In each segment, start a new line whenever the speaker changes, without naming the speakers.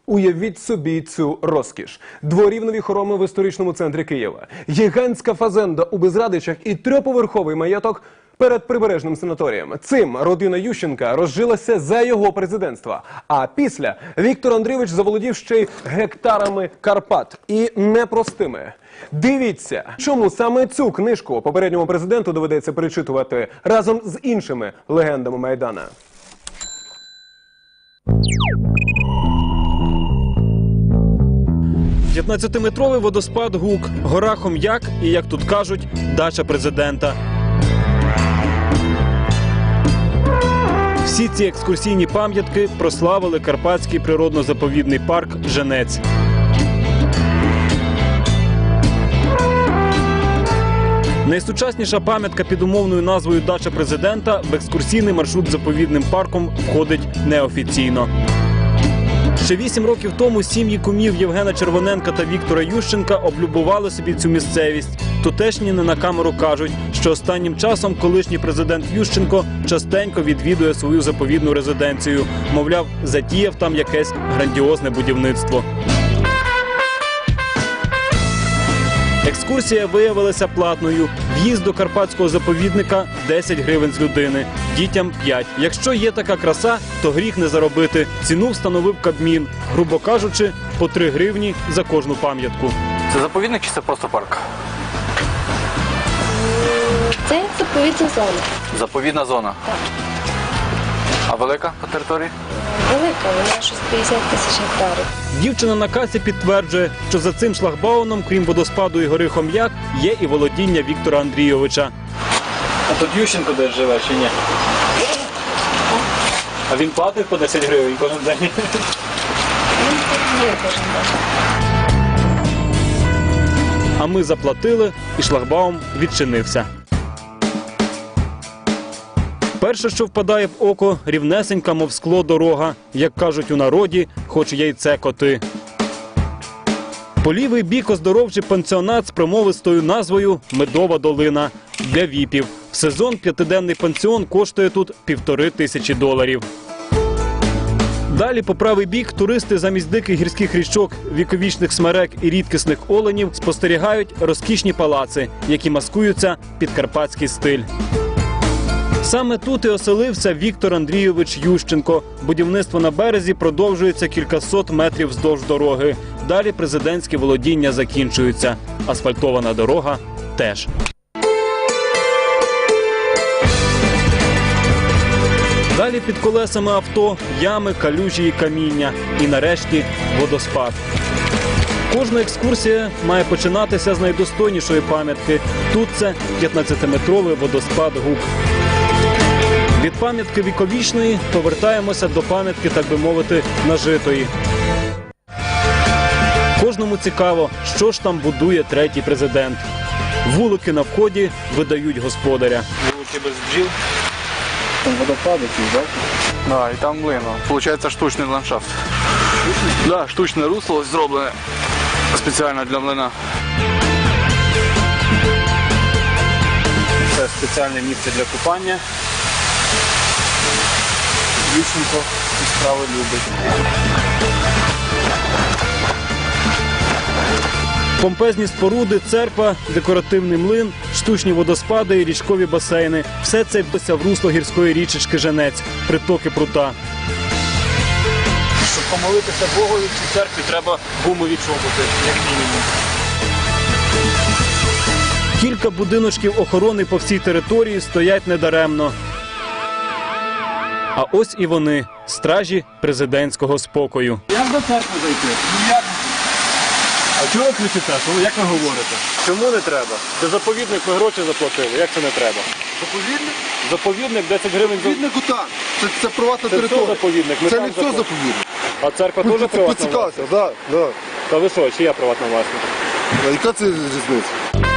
Уявіть собі цю розкіш. Дворівневі хороми в історичному центрі Києва, гігантська фазенда у Безрадичах і трьохповерховий маєток перед прибережним санаторієм. Цим родина Ющенка розжилася за його президентства. А після Віктор Андрійович заволодів ще й гектарами Карпат. І непростими. Дивіться, чому саме цю книжку попередньому президенту доведеться перечитувати разом з іншими легендами Майдана.
«15-метровий водоспад Гук, гора Хом'як і, як тут кажуть, дача президента. Всі ці екскурсійні пам'ятки прославили Карпатський природно-заповідний парк «Женець». Найсучасніша пам'ятка під умовною назвою «Дача президента» в екскурсійний маршрут заповідним парком входить неофіційно. Ще 8 років тому сім'ї кумів Євгена Червоненка та Віктора Ющенка облюбували собі цю місцевість. Тутешні не на камеру кажуть, що останнім часом колишній президент Ющенко частенько відвідує свою заповідну резиденцію. Мовляв, затіяв там якесь грандіозне будівництво. Екскурсія виявилася платною. В'їзд до карпатського заповідника – 10 гривень з людини, дітям – 5. Якщо є така краса, то гріх не заробити. Ціну встановив Кабмін. Грубо кажучи, по 3 гривні за кожну пам'ятку.
Це заповідник чи це просто парк?
Це заповідна зона.
Заповідна зона?
Так.
А велика по території?
Велика, вона щось 50 тисяч гектарів.
Дівчина на касі підтверджує, що за цим шлагбаумом, крім водоспаду і гори Хом'як, є і володіння Віктора Андрійовича.
А тут Ющенко десь живе чи ні? А він платить по 10 гривень кожен день?
Він тут є кожен день.
А ми заплатили, і шлагбаум відчинився. Перше, що впадає в око – рівнесенька, мов скло, дорога. Як кажуть у народі, хоч яйце коти. По лівий бік оздоровчий пансіонат з промовистою назвою «Медова долина» для віпів. В сезон 5-денний пансіон коштує тут $1500. Далі по правий бік туристи замість диких гірських річок, віковічних смерек і рідкісних оленів спостерігають розкішні палаци, які маскуються під карпатський стиль. Саме тут і оселився Віктор Андрійович Ющенко. Будівництво на березі продовжується кількасот метрів вздовж дороги. Далі президентські володіння закінчуються. Асфальтована дорога теж. Далі під колесами авто ями, калюжі і каміння. І нарешті водоспад. Кожна екскурсія має починатися з найдостойнішої пам'ятки. Тут це 15-метровий водоспад Гук. Від пам'ятки віковічної повертаємося до пам'ятки, так би мовити, нажитої. Кожному цікаво, що ж там будує третій президент. Вулики на вході видають господаря.
Вулики без бджіл.
Там водопад якийсь, так? Так, і там млин. Получається штучний ландшафт. Штучний? Так, штучне русло ось зроблене спеціально для млина.
Це спеціальне місце для купання. Ющенко ці справи любить.
Помпезні споруди, церква, декоративний млин, штучні водоспади і річкові басейни. Все це вдося в русло гірської річечки Женець, притоки прута.
Щоб помолитися Богові в цій церкві, треба гумові чоботи, як мінімум.
Кілька будиночків охорони по всій території стоять недаремно. А ось і вони – стражі президентського спокою.
Як до церкви зайти? А чого ви кричите? Як ви говорите?
Чому не треба? Це заповідник, ми гроші заплатили. Як це не треба?
Заповідник?
Заповідник 10 гривень.
Заповіднику так. Це приватна територія.
Це заповідник.
Це не все заповідник.
А церква теж приватна власність?
Поцікався, так.
Та ви що, чия приватна власність?
Яка це різниця?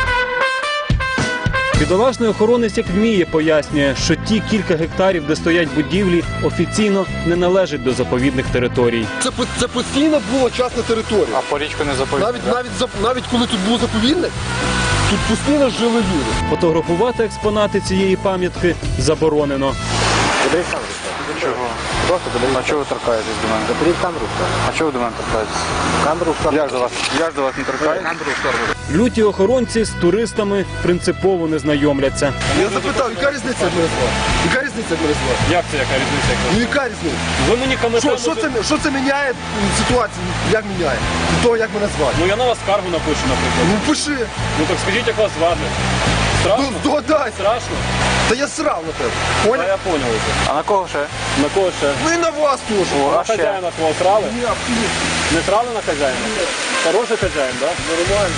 Підолашний охоронець як вміє пояснює, що ті кілька гектарів, де стоять будівлі, офіційно не належать до заповідних територій.
Це постійно була частна територія.
А по річку не заповідник?
Навіть коли тут був заповідник, тут постійно жили люди.
Фотографувати експонати цієї пам'ятки заборонено.
Чого?
Просто заберіть.
А чого ви торкаєтесь до мене?
Заберіть камеру в сторону.
А чого ви до мене торкаєтесь?
Камеру в сторону.
Я ж до вас не торкаюсь.
Камеру в сторону.
Люті охоронці з туристами принципово не знайомляться.
Я запитав, яка різниця, як мене звати? Яка різниця, як мене звати?
Як це яка різниця?
Ну яка різниця?
Ви мені коментар...
Що це міняє ситуацію? Як міняє? Від того, як мене звати?
Ну я на вас скаргу напишу, наприклад.
Ну пиши.
Ну так скажіть, як вас звати.
Ну
Страшно?
здогадайся.
Страшно?
Та я срав на тебе.
Та
Поняв?
я поняв вже.
А на кого ще?
На кого ще?
Ну і на вас теж.
На
ще?
хазяїна твого срали?
Ні, абсолютно.
Не срали на хазяїна? Хороший хазяїн, так? Нормально.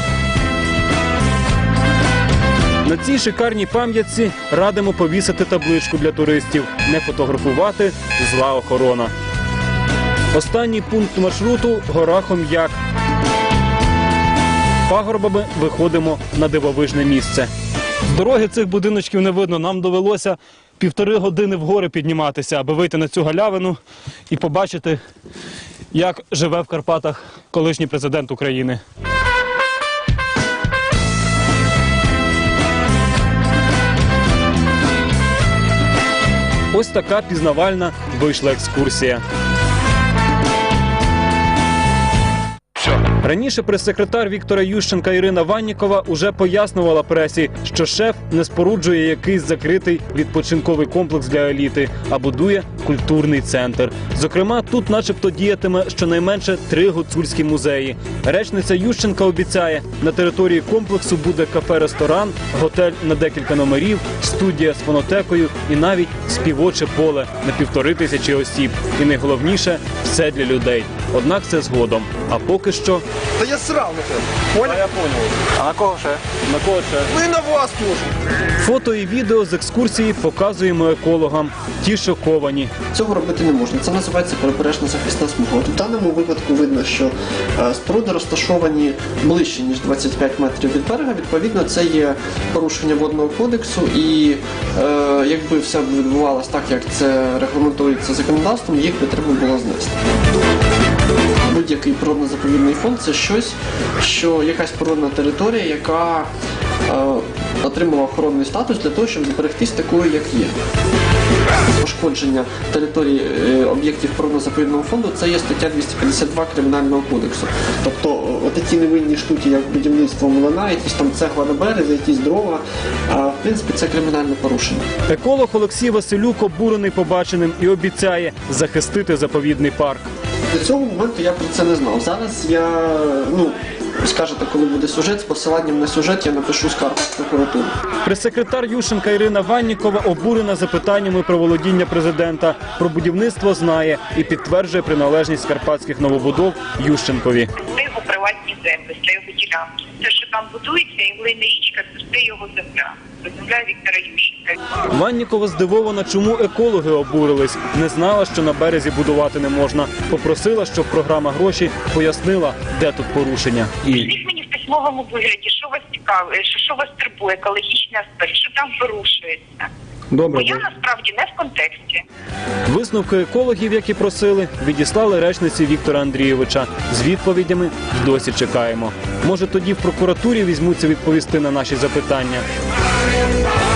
На цій шикарній пам'ятці радимо повісити табличку для туристів «Не фотографувати, зла охорона». Останній пункт маршруту – гора Хом'як. Пагорбами виходимо на дивовижне місце.
З дороги цих будиночків не видно. Нам довелося 1,5 години вгори підніматися, аби вийти на цю галявину і побачити, як живе в Карпатах колишній президент України.
Ось така пізнавальна вийшла екскурсія. Раніше прес-секретар Віктора Ющенка Ірина Ваннікова уже пояснювала пресі, що шеф не споруджує якийсь закритий відпочинковий комплекс для еліти, а будує культурний центр. Зокрема, тут начебто діятиме щонайменше 3 гуцульські музеї. Речниця Ющенка обіцяє, на території комплексу буде кафе-ресторан, готель на декілька номерів, студія з фонотекою і навіть співоче поле на 1500 осіб. І найголовніше – все для людей. Однак це згодом. А поки що...
Та я срав на тебе.
Та
Поняв?
я поняв.
А на кого ще?
На кого ще?
Ну і на вас теж.
Фото і відео з екскурсії показуємо екологам. Ті шоковані.
Цього робити не можна. Це називається прибережна захисна смуга. В даному випадку видно, що споруди розташовані ближче, ніж 25 метрів від берега. Відповідно, це є порушення водного кодексу і якби все відбувалось так, як це регламентується законодавством, їх би треба було знести. Будь-який природно-заповідний фонд – це щось, що якась природна територія, яка отримала охоронний статус для того, щоб зберегтись такою, як є. Пошкодження території об'єктів природно-заповідного фонду – це є стаття 252 Кримінального кодексу. Тобто такі невинні штуки, як будівництво млина, якісь там цегла на березі, якісь дрова, в принципі, це кримінальне порушення.
Еколог Олексій Василюк обурений побаченим і обіцяє захистити заповідний парк.
До цього моменту я про це не знав. Зараз я, скажете, коли буде сюжет, з посиланням на сюжет я напишу скаргу в прокуратуру.
Прес-секретар Ющенка Ірина Ваннікова обурена запитаннями про володіння президента. Про будівництво знає і підтверджує приналежність карпатських новобудов Ющенкові.
Це його приватні землі, це його ділянки. Те, що там будується, і глина річка, це все його земля. Це земля Віктора Ющенка.
Ваннікова здивована, чому екологи обурились. Не знала, що на березі будувати не можна. Попросила, щоб програма «Гроші» пояснила, де тут порушення.
Скажіть мені в письмовому вигляді, що вас цікавить, що вас турбує, екологічний аспект, що там порушується.
Добре.
Бо я насправді не в контексті.
Висновки екологів, які просили, відіслали речниці Віктора Андрійовича. З відповідями й досі чекаємо. Може, тоді в прокуратурі візьмуться відповісти на наші запитання.